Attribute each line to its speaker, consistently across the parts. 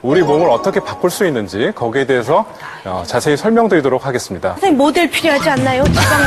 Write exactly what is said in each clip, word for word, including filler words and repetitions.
Speaker 1: 우리 몸을 어떻게 바꿀 수 있는지 거기에 대해서 어, 자세히 설명드리도록 하겠습니다.
Speaker 2: 선생님 모델 필요하지 않나요? 지방만.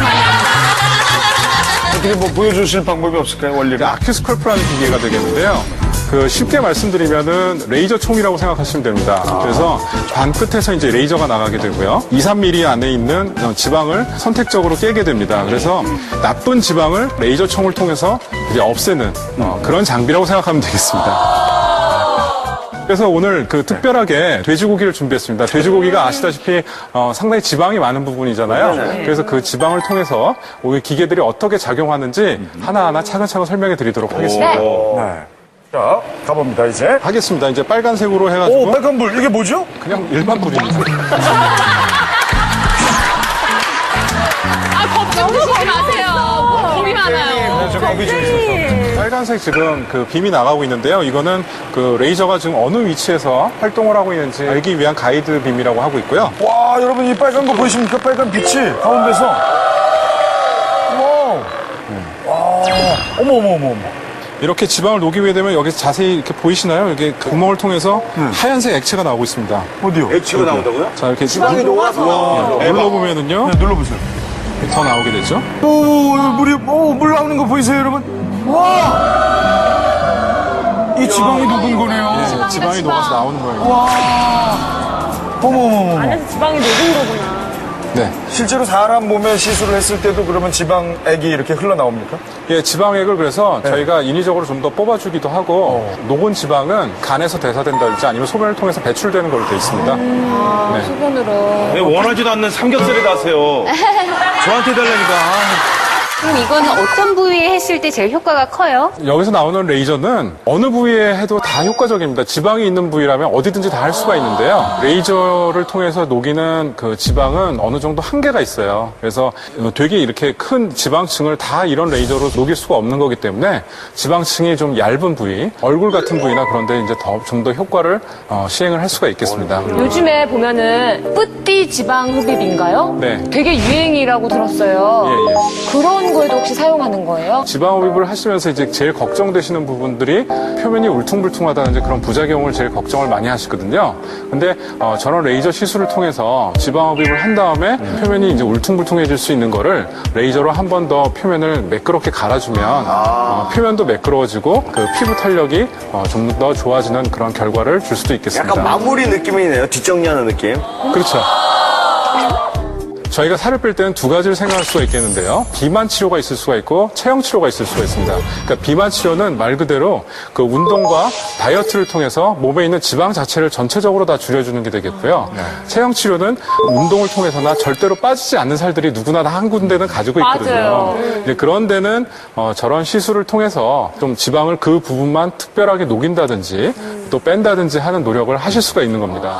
Speaker 3: 어떻게 뭐 보여주실 방법이 없을까요, 원리를?
Speaker 1: 아큐스컬프라는 기계가 되겠는데요. 그 쉽게 말씀드리면은 레이저 총이라고 생각하시면 됩니다. 그래서 관 끝에서 이제 레이저가 나가게 되고요. 이, 삼 밀리미터 안에 있는 지방을 선택적으로 깨게 됩니다. 그래서 나쁜 지방을 레이저 총을 통해서 이제 없애는 어, 그런 장비라고 생각하면 되겠습니다. 그래서 오늘 그 특별하게 돼지고기를 준비했습니다. 돼지고기가 아시다시피 어, 상당히 지방이 많은 부분이잖아요. 그래서 그 지방을 통해서 우리 기계들이 어떻게 작용하는지 하나하나 차근차근 설명해 드리도록 하겠습니다.
Speaker 3: 네. 자, 가봅니다, 이제.
Speaker 1: 하겠습니다. 이제 빨간색으로 해가지고
Speaker 3: 오, 빨간 불. 이게 뭐죠?
Speaker 1: 그냥 일반 불입니다.
Speaker 4: 아, 걱정 드시지 마세요. 불이 많아요.
Speaker 3: 네, 저 감기 좀 있어서.
Speaker 1: 빨간색 지금 그 빔이 나가고 있는데요. 이거는 그 레이저가 지금 어느 위치에서 활동을 하고 있는지 알기 위한 가이드 빔이라고 하고 있고요.
Speaker 3: 와, 여러분, 이 빨간 거 보이십니까? 빨간 빛이 가운데서. 와우. 와. 어머, 어머, 어머, 어머.
Speaker 1: 이렇게 지방을 녹이게 되면 여기서 자세히 이렇게 보이시나요? 여기 그 구멍을 통해서 하얀색 액체가 나오고 있습니다.
Speaker 3: 어디요?
Speaker 5: 액체가 나온다고요?
Speaker 1: 자, 이렇게
Speaker 5: 지방이 녹아서.
Speaker 1: 네, 눌러보면은요.
Speaker 3: 네, 눌러보세요.
Speaker 1: 더 나오게 되죠.
Speaker 3: 오, 물이, 오, 물 나오는 거 보이세요, 여러분? 와! 이 지방이 녹은 거네요.
Speaker 1: 네,
Speaker 4: 지방이다,
Speaker 1: 지방이
Speaker 4: 지방.
Speaker 1: 녹아서 나오는 거예요.
Speaker 3: 와. 어머, 어머, 어머.
Speaker 2: 안에서 지방이 녹은 거구나.
Speaker 1: 네.
Speaker 3: 실제로 사람 몸에 시술을 했을 때도 그러면 지방액이 이렇게 흘러나옵니까?
Speaker 1: 예, 지방액을 그래서 저희가 인위적으로 좀 더 뽑아주기도 하고 녹은 지방은 간에서 대사된다든지 아니면 소변을 통해서 배출되는 걸로 되어 있습니다. 네.
Speaker 4: 소변으로.
Speaker 5: 왜 원하지도 않는 삼겹살을 하세요? 저한테 달라니까.
Speaker 6: 그럼 이거는 어떤 부위에 했을 때 제일 효과가 커요?
Speaker 1: 여기서 나오는 레이저는 어느 부위에 해도 다 효과적입니다. 지방이 있는 부위라면 어디든지 다 할 수가 있는데요. 레이저를 통해서 녹이는 그 지방은 어느 정도 한계가 있어요. 그래서 되게 이렇게 큰 지방층을 다 이런 레이저로 녹일 수가 없는 거기 때문에 지방층이 좀 얇은 부위, 얼굴 같은 부위나 그런데 이제 더 좀 더 효과를 어, 시행을 할 수가 있겠습니다.
Speaker 4: 요즘에 보면은 뿌띠 지방 흡입인가요?
Speaker 1: 네.
Speaker 4: 되게 유행이라고 들었어요.
Speaker 1: 예, 예.
Speaker 4: 그런 거에도 혹시 사용하는 거예요?
Speaker 1: 지방 흡입을 하시면서 이제 제일 걱정되시는 부분들이 표면이 울퉁불퉁하다는 이제 그런 부작용을 제일 걱정을 많이 하시거든요. 근데 어, 저런 레이저 시술을 통해서 지방 흡입을 한 다음에 표면이 이제 울퉁불퉁해질 수 있는 거를 레이저로 한 번 더 표면을 매끄럽게 갈아주면 어, 표면도 매끄러워지고 그 피부 탄력이 어, 좀 더 좋아지는 그런 결과를 줄 수도 있겠습니다.
Speaker 5: 약간 마무리 느낌이네요. 뒷정리하는 느낌.
Speaker 1: 그렇죠. 저희가 살을 뺄 때는 두 가지를 생각할 수가 있겠는데요. 비만 치료가 있을 수가 있고 체형 치료가 있을 수가 있습니다. 그러니까 비만 치료는 말 그대로 그 운동과 다이어트를 통해서 몸에 있는 지방 자체를 전체적으로 다 줄여주는 게 되겠고요. 체형 치료는 운동을 통해서나 절대로 빠지지 않는 살들이 누구나 다 한 군데는 가지고 있거든요.
Speaker 4: 맞아요.
Speaker 1: 이제 그런 데는 어, 저런 시술을 통해서 좀 지방을 그 부분만 특별하게 녹인다든지 또 뺀다든지 하는 노력을 하실 수가 있는 겁니다.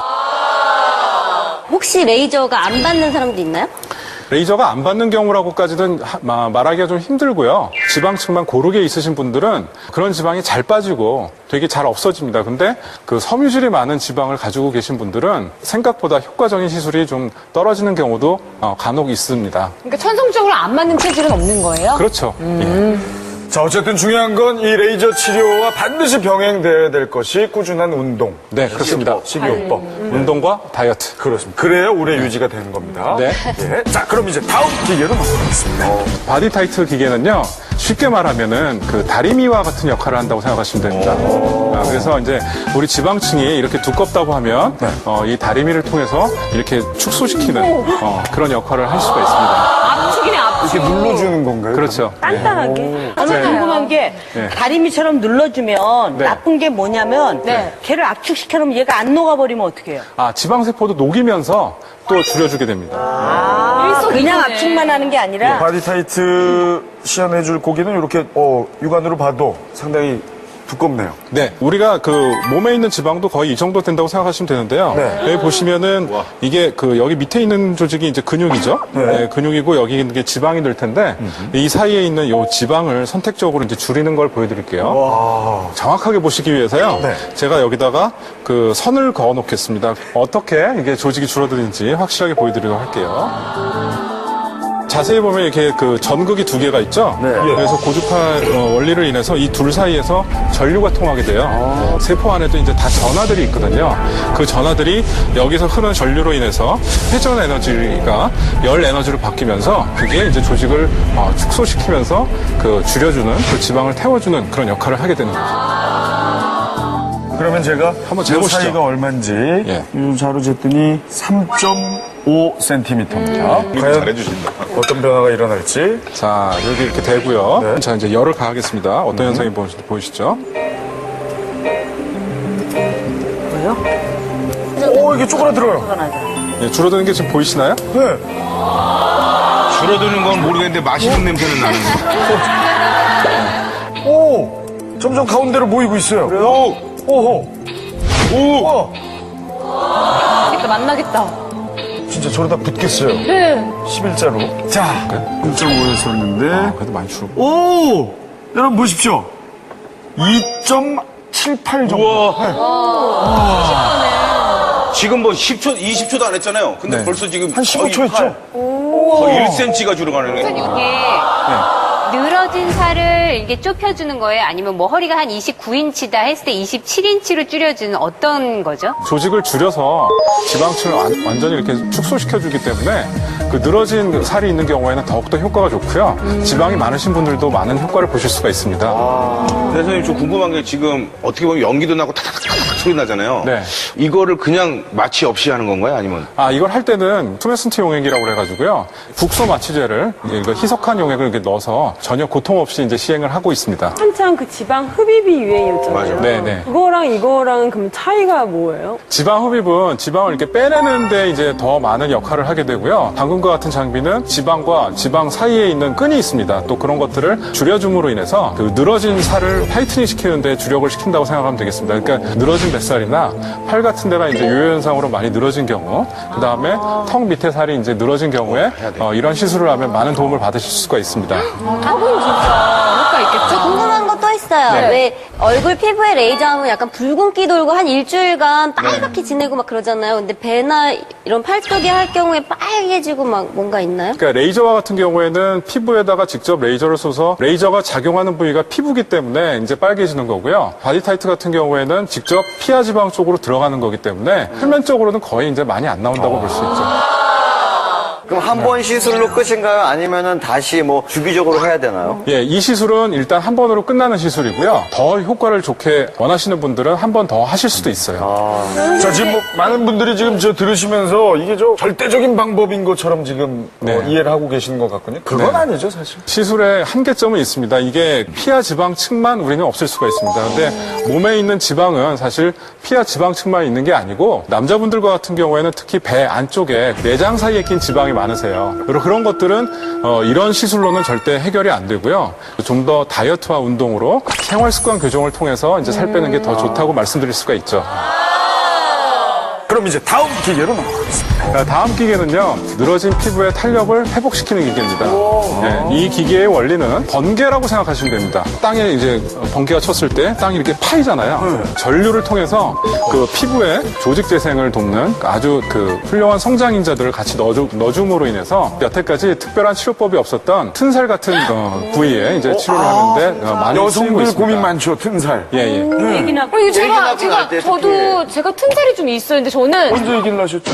Speaker 6: 혹시 레이저가 안 받는 사람도 있나요?
Speaker 1: 레이저가 안 받는 경우라고까지는 하- 마- 말하기가 좀 힘들고요. 지방층만 고르게 있으신 분들은 그런 지방이 잘 빠지고 되게 잘 없어집니다. 근데 그 섬유질이 많은 지방을 가지고 계신 분들은 생각보다 효과적인 시술이 좀 떨어지는 경우도 어, 간혹 있습니다.
Speaker 4: 그러니까 천성적으로 안 맞는 체질은 없는 거예요?
Speaker 1: 그렇죠. 예.
Speaker 3: 자, 어쨌든 중요한 건 이 레이저 치료와 반드시 병행돼야 될 것이 꾸준한 운동.
Speaker 1: 네, 그렇습니다.
Speaker 3: 식이요법.
Speaker 1: 운동과 다이어트.
Speaker 3: 그렇습니다. 그래야 오래 유지가 되는 겁니다.
Speaker 1: 네.
Speaker 3: 예. 자, 그럼 이제 다음 기계로 넘어가겠습니다.
Speaker 1: 바디 타이트 기계는요, 쉽게 말하면은 그 다리미와 같은 역할을 한다고 생각하시면 됩니다. 아, 그래서 이제 우리 지방층이 이렇게 두껍다고 하면 어, 이 다리미를 통해서 이렇게 축소시키는 어, 그런 역할을 할 수가 있습니다.
Speaker 4: 압축이네, 압축.
Speaker 3: 이렇게 눌러주는 건가요?
Speaker 1: 그렇죠.
Speaker 2: 단단하게. 저는
Speaker 1: 네.
Speaker 2: 궁금한 게
Speaker 1: 네.
Speaker 2: 다리미처럼 눌러주면
Speaker 1: 네.
Speaker 2: 나쁜 게 뭐냐면
Speaker 4: 네.
Speaker 2: 걔를 압축시켜놓으면 얘가 안 녹아버리면 어떻게 해요?
Speaker 1: 아, 지방세포도 녹이면서 또 줄여주게 됩니다.
Speaker 2: 아, 그냥
Speaker 4: 일석이조네.
Speaker 2: 압축만 하는 게 아니라
Speaker 3: 바디 타이트 시연해줄 고기는 이렇게 어, 육안으로 봐도 상당히 두껍네요.
Speaker 1: 네, 우리가 그 몸에 있는 지방도 거의 이 정도 된다고 생각하시면 되는데요.
Speaker 3: 네.
Speaker 1: 여기 보시면은 이게 그 여기 밑에 있는 조직이 이제 근육이죠.
Speaker 3: 네.
Speaker 1: 네, 근육이고 여기 있는 게 지방이 될 텐데 이 사이에 있는 요 지방을 선택적으로 이제 줄이는 걸 보여드릴게요.
Speaker 3: 와.
Speaker 1: 정확하게 보시기 위해서요.
Speaker 3: 네.
Speaker 1: 제가 여기다가 그 선을 그어 놓겠습니다. 어떻게 이게 조직이 줄어드는지 확실하게 보여드리도록 할게요. 자세히 보면 이렇게 그 전극이 두 개가 있죠.
Speaker 3: 네.
Speaker 1: 그래서 고주파 어, 원리를 인해서 이 둘 사이에서 전류가 통하게 돼요. 세포 안에도 이제 다 전하들이 있거든요. 그 전하들이 여기서 흐르는 전류로 인해서 회전 에너지가 열 에너지로 바뀌면서 그게 이제 조직을 어, 축소시키면서 그 줄여주는 그 지방을 태워주는 그런 역할을 하게 되는 거죠.
Speaker 3: 그러면 제가
Speaker 1: 한번
Speaker 3: 이
Speaker 1: 재보시죠.
Speaker 3: 사이가 얼마인지
Speaker 1: 예.
Speaker 3: 이 자로 쟀더니 삼 점 오 센티미터입니다.
Speaker 1: 음.
Speaker 3: 과연
Speaker 5: 잘해주신다.
Speaker 3: 어떤 변화가 일어날지.
Speaker 1: 자, 여기 이렇게 되고요.
Speaker 3: 네.
Speaker 1: 자, 이제 열을 가하겠습니다. 어떤 현상이 보, 보이시죠?
Speaker 2: 뭐요?
Speaker 3: 오, 이게 쪼그라들어요.
Speaker 2: 화가 나죠.
Speaker 1: 예, 줄어드는 게 지금 보이시나요?
Speaker 3: 네.
Speaker 5: 줄어드는 건 모르겠는데 맛있는 냄새는 나는데.
Speaker 3: 오, 점점 가운데로 모이고 있어요.
Speaker 5: 오!
Speaker 3: 오호.
Speaker 5: 오!
Speaker 3: 와,
Speaker 4: 그러니까 만나겠다.
Speaker 3: 진짜 저러다 붙겠어요.
Speaker 4: 네.
Speaker 3: 십일자로. 자, 일 점 오였었는데.
Speaker 1: 그래도 많이 줄고.
Speaker 3: 오! 여러분 보십시오. 이 점 칠팔 정도.
Speaker 5: 우와. 지금 뭐 십 초, 이십 초도 안 했잖아요. 근데
Speaker 1: 네.
Speaker 5: 벌써 지금
Speaker 3: 한 십오 초
Speaker 5: 거의
Speaker 3: 했죠?
Speaker 5: 거의 일 센티미터가 줄어가네.
Speaker 7: 이게 늘어진 살을 이게 좁혀주는 거예요? 아니면 뭐 허리가 한 이십구 인치다 했을 때 이십칠 인치로 줄여주는 어떤 거죠?
Speaker 1: 조직을 줄여서 지방층을 완, 완전히 이렇게 축소시켜주기 때문에 그 늘어진 살이 있는 경우에는 더욱더 효과가 좋고요. 지방이 많으신 분들도 많은 효과를 보실 수가 있습니다.
Speaker 5: 대선생님, 저 궁금한 게 지금 어떻게 보면 연기도 나고 탁탁탁탁 소리 나잖아요.
Speaker 1: 네.
Speaker 5: 이거를 그냥 마취 없이 하는 건가요? 아니면?
Speaker 1: 아, 이걸 할 때는 투메슨트 용액이라고 그래가지고요. 국소 마취제를 이거 희석한 용액을 이렇게 넣어서 전혀 고통 없이 이제 시행을 하고 있습니다.
Speaker 8: 한창 그 지방 흡입이 유행이었잖아요.
Speaker 5: 맞아요.
Speaker 1: 네네.
Speaker 8: 그거랑 이거랑 그럼 차이가 뭐예요?
Speaker 1: 지방 흡입은 지방을 이렇게 빼내는데 이제 더 많은 역할을 하게 되고요. 방금과 같은 장비는 지방과 지방 사이에 있는 끈이 있습니다. 또 그런 것들을 줄여줌으로 인해서 그 늘어진 살을 타이트닝 시키는데 주력을 시킨다고 생각하면 되겠습니다. 그러니까 늘어진 뱃살이나 팔 같은 데가 이제 요요 현상으로 많이 늘어진 경우, 그 다음에 턱 밑에 살이 이제 늘어진 경우에 어, 이런 시술을 하면 많은 도움을 받으실 수가 있습니다.
Speaker 4: 턱은 진짜 효과 있겠죠?
Speaker 6: 궁금한 거 또 있어요.
Speaker 1: 네.
Speaker 6: 왜 얼굴 피부에 레이저하면 약간 붉은기 돌고 한 일주일간 빨갛게 지내고 막 그러잖아요. 근데 배나 이런 팔뚝에 할 경우에 빨개지고 막 뭔가 있나요?
Speaker 1: 그러니까 레이저와 같은 경우에는 피부에다가 직접 레이저를 쏘서 레이저가 작용하는 부위가 피부기 때문에 이제 빨개지는 거고요. 바디 타이트 같은 경우에는 직접 피하 지방 쪽으로 들어가는 거기 때문에 표면적으로는 거의 이제 많이 안 나온다고 볼 수 있죠.
Speaker 9: 그럼 한 번 시술로 끝인가요? 아니면은 다시 뭐 주기적으로 해야 되나요?
Speaker 1: 예, 이 시술은 일단 한 번으로 끝나는 시술이고요. 더 효과를 좋게 원하시는 분들은 한 번 더 하실 수도 있어요.
Speaker 3: 자, 지금 뭐 많은 분들이 지금 저 들으시면서 이게 저 절대적인 방법인 것처럼 지금 어,
Speaker 1: 네.
Speaker 3: 이해를 하고 계시는 것 같거든요. 그건
Speaker 1: 네.
Speaker 3: 아니죠, 사실.
Speaker 1: 시술의 한계점은 있습니다. 이게 피하 지방층만 우리는 없앨 수가 있습니다. 근데 몸에 있는 지방은 사실 피하 지방층만 있는 게 아니고 남자분들과 같은 경우에는 특히 배 안쪽에 내장 사이에 낀 지방이 많으세요. 그리고 그런 것들은 어, 이런 시술로는 절대 해결이 안 되고요. 좀 더 다이어트와 운동으로 생활 습관 교정을 통해서 이제 살 빼는 게 더 좋다고 말씀드릴 수가 있죠.
Speaker 3: 그럼 이제 다음 기계로 넘어가겠습니다.
Speaker 1: 자, 다음 기계는요, 늘어진 피부의 탄력을 회복시키는 기계입니다. 네, 이 기계의 원리는 번개라고 생각하시면 됩니다. 땅에 이제 번개가 쳤을 때 땅이 이렇게 파이잖아요. 전류를 통해서 그 피부의 조직 재생을 돕는 아주 그 훌륭한 성장인자들을 같이 넣어주, 넣어줌으로 인해서 여태까지 특별한 치료법이 없었던 튼살 같은 어, 부위에 이제 치료를 하는데 어, 많이 쓰이고
Speaker 3: 여성들
Speaker 1: 있습니다.
Speaker 3: 고민 많죠, 튼살.
Speaker 1: 예, 예.
Speaker 2: 얘기나
Speaker 4: 어, 이거 제가,
Speaker 9: 낳고
Speaker 4: 제가,
Speaker 9: 날 때
Speaker 4: 저도, 제가 튼살이 좀 있었는데 저는
Speaker 3: 언제 얘기를 하셨죠?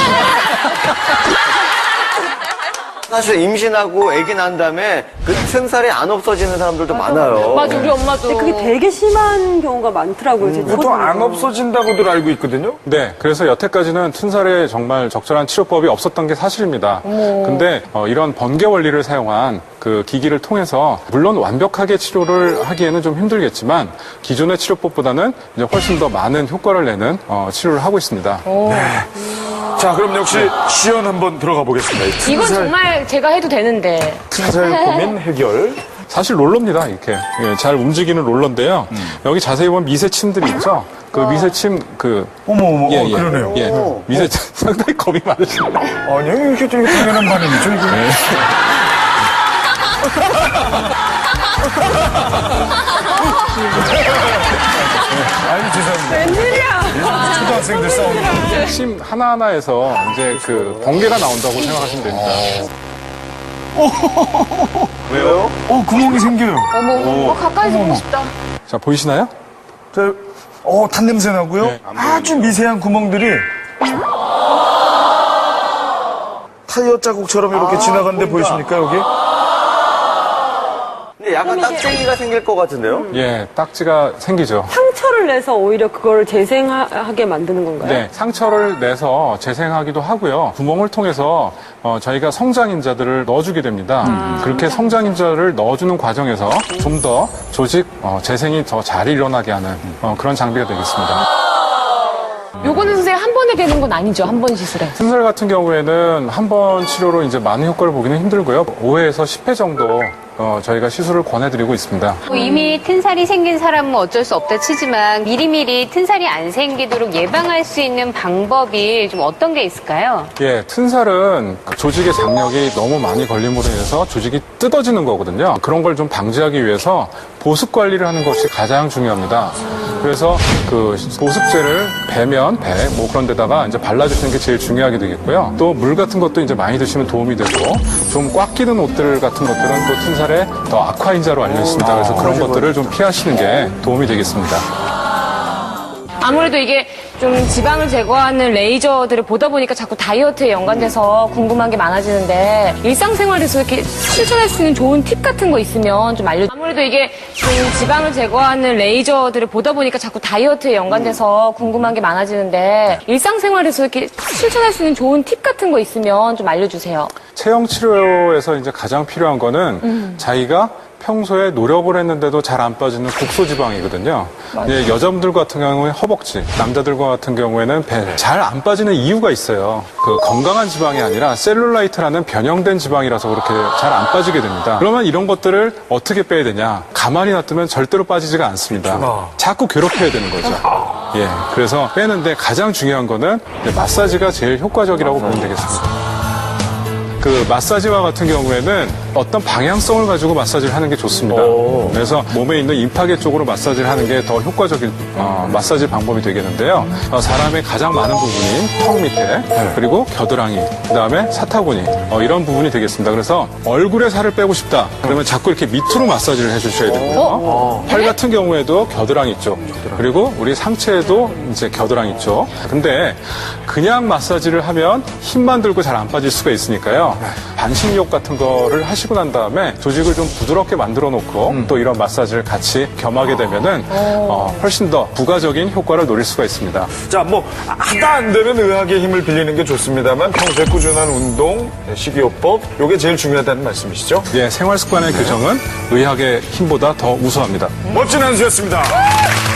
Speaker 9: 사실 임신하고 아기 난 다음에 그 튼살이 안 없어지는 사람들도 많아요.
Speaker 4: 맞아, 우리 엄마도.
Speaker 8: 근데 그게 되게 심한 경우가 많더라고요. 제
Speaker 3: 보통 안
Speaker 8: 주변에는.
Speaker 3: 없어진다고들 알고 있거든요.
Speaker 1: 네, 그래서 여태까지는 튼살에 정말 적절한 치료법이 없었던 게 사실입니다. 근데 어, 이런 번개 원리를 사용한 그 기기를 통해서 물론 완벽하게 치료를 하기에는 좀 힘들겠지만 기존의 치료법보다는 이제 훨씬 더 많은 효과를 내는 어, 치료를 하고 있습니다.
Speaker 3: 자, 그럼 역시 시연 한번 들어가 보겠습니다. 이
Speaker 4: 이건
Speaker 3: 튼살,
Speaker 4: 정말 제가 해도 되는데.
Speaker 3: 튼살 고민 해결.
Speaker 1: 사실 롤러입니다, 이렇게. 예, 잘 움직이는 롤러인데요. 여기 자세히 보면 미세침들이 있죠? 그 미세침, 그.
Speaker 3: 어머, 어머,
Speaker 1: 예,
Speaker 3: 어,
Speaker 1: 예.
Speaker 3: 그러네요.
Speaker 1: 예. 미세침, 상당히 겁이 많으십니다.
Speaker 3: 아니요, 이게 되게 당연한 반응이죠, 이게. 아유, 죄송합니다. 웬일이야. 초등학생들 싸우는.
Speaker 1: 침 하나하나에서 이제 그 번개가 나온다고 생각하시면 됩니다.
Speaker 5: 왜요?
Speaker 3: 어, 구멍이 생겨요.
Speaker 4: 어머, 어, 가까이서 보고 싶다.
Speaker 1: 자, 보이시나요?
Speaker 3: 저, 어, 탄 냄새 나고요.
Speaker 1: 네,
Speaker 3: 아주 미세한 구멍들이 타이어 자국처럼 이렇게 지나가는데 보이십니까, 여기?
Speaker 9: 근데 약간 딱쟁이가 생길 것 같은데요?
Speaker 1: 예, 딱지가 생기죠.
Speaker 8: 상처를 내서 오히려 그걸 재생하게 만드는 건가요?
Speaker 1: 네, 상처를 내서 재생하기도 하고요. 구멍을 통해서 어, 저희가 성장인자들을 넣어주게 됩니다. 그렇게 성장인자를 넣어주는 과정에서 좀 더 조직 어, 재생이 더 잘 일어나게 하는 어, 그런 장비가 되겠습니다.
Speaker 4: 요거는 선생님 한 번에 되는 건 아니죠? 한 번 시술에.
Speaker 1: 튼살 같은 경우에는 한 번 치료로 이제 많은 효과를 보기는 힘들고요. 오 회에서 십 회 정도 어, 저희가 시술을 권해드리고 있습니다.
Speaker 7: 뭐 이미 튼살이 생긴 사람은 어쩔 수 없다 치지만 미리미리 튼살이 안 생기도록 예방할 수 있는 방법이 좀 어떤 게 있을까요?
Speaker 1: 예, 튼살은 조직의 장력이 너무 많이 걸림으로 인해서 조직이 뜯어지는 거거든요. 그런 걸 좀 방지하기 위해서 보습 관리를 하는 것이 가장 중요합니다. 그래서 그 보습제를 배면, 배, 뭐 그런 데다가 이제 발라주시는 게 제일 중요하게 되겠고요. 또 물 같은 것도 이제 많이 드시면 도움이 되고 좀 꽉 끼는 옷들 같은 것들은 또 튼살에 더 악화인자로 알려 있습니다. 그래서 그런 것들을 좀 피하시는 게 도움이 되겠습니다.
Speaker 4: 아무래도 이게 좀 지방을 제거하는 레이저들을 보다 보니까 자꾸 다이어트에 연관돼서 궁금한 게 많아지는데 일상생활에서 이렇게 실천할 수 있는 좋은 팁 같은 거 있으면 좀 알려. 아무래도 이게 좀 지방을 제거하는 레이저들을 보다 보니까 자꾸 다이어트에 연관돼서 궁금한 게 많아지는데 일상생활에서 이렇게 실천할 수 있는 좋은 팁 같은 거 있으면 좀 알려주세요.
Speaker 1: 체형 치료에서 이제 가장 필요한 거는
Speaker 4: 음.
Speaker 1: 자기가 평소에 노력을 했는데도 잘 안 빠지는 국소지방이거든요. 예, 여자분들 같은 경우에 허벅지, 남자들 같은 경우에는 배. 잘 안 빠지는 이유가 있어요. 그 건강한 지방이 아니라 셀룰라이트라는 변형된 지방이라서 그렇게 잘 안 빠지게 됩니다. 그러면 이런 것들을 어떻게 빼야 되냐? 가만히 놔두면 절대로 빠지지가 않습니다. 자꾸 괴롭혀야 되는 거죠. 예, 그래서 빼는데 가장 중요한 거는 이제 마사지가 제일 효과적이라고 보면 되겠습니다. 그 마사지와 같은 경우에는 어떤 방향성을 가지고 마사지를 하는 게 좋습니다. 그래서 몸에 있는 임파계 쪽으로 마사지를 하는 게 더 효과적인 어, 마사지 방법이 되겠는데요. 어, 사람의 가장 많은 부분이 턱 밑에 그리고 겨드랑이 그다음에 사타구니 어, 이런 부분이 되겠습니다. 그래서 얼굴에 살을 빼고 싶다 그러면 자꾸 이렇게 밑으로 마사지를 해주셔야 되고요. 팔 같은 경우에도 겨드랑이 쪽 그리고 우리 상체에도 이제 겨드랑이 쪽. 근데 그냥 마사지를 하면 힘만 들고 잘 안 빠질 수가 있으니까요. 반신욕 같은 거를 하시고 난 다음에 조직을 좀 부드럽게 만들어 놓고 음. 또 이런 마사지를 같이 겸하게 되면은 어, 훨씬 더 부가적인 효과를 노릴 수가 있습니다.
Speaker 3: 자, 뭐, 하다 안 되면 의학의 힘을 빌리는 게 좋습니다만 평소에 꾸준한 운동, 식이요법, 요게 제일 중요하다는 말씀이시죠?
Speaker 1: 예, 생활 습관의 교정은 의학의 힘보다 더 우수합니다.
Speaker 3: 멋진 한 수였습니다.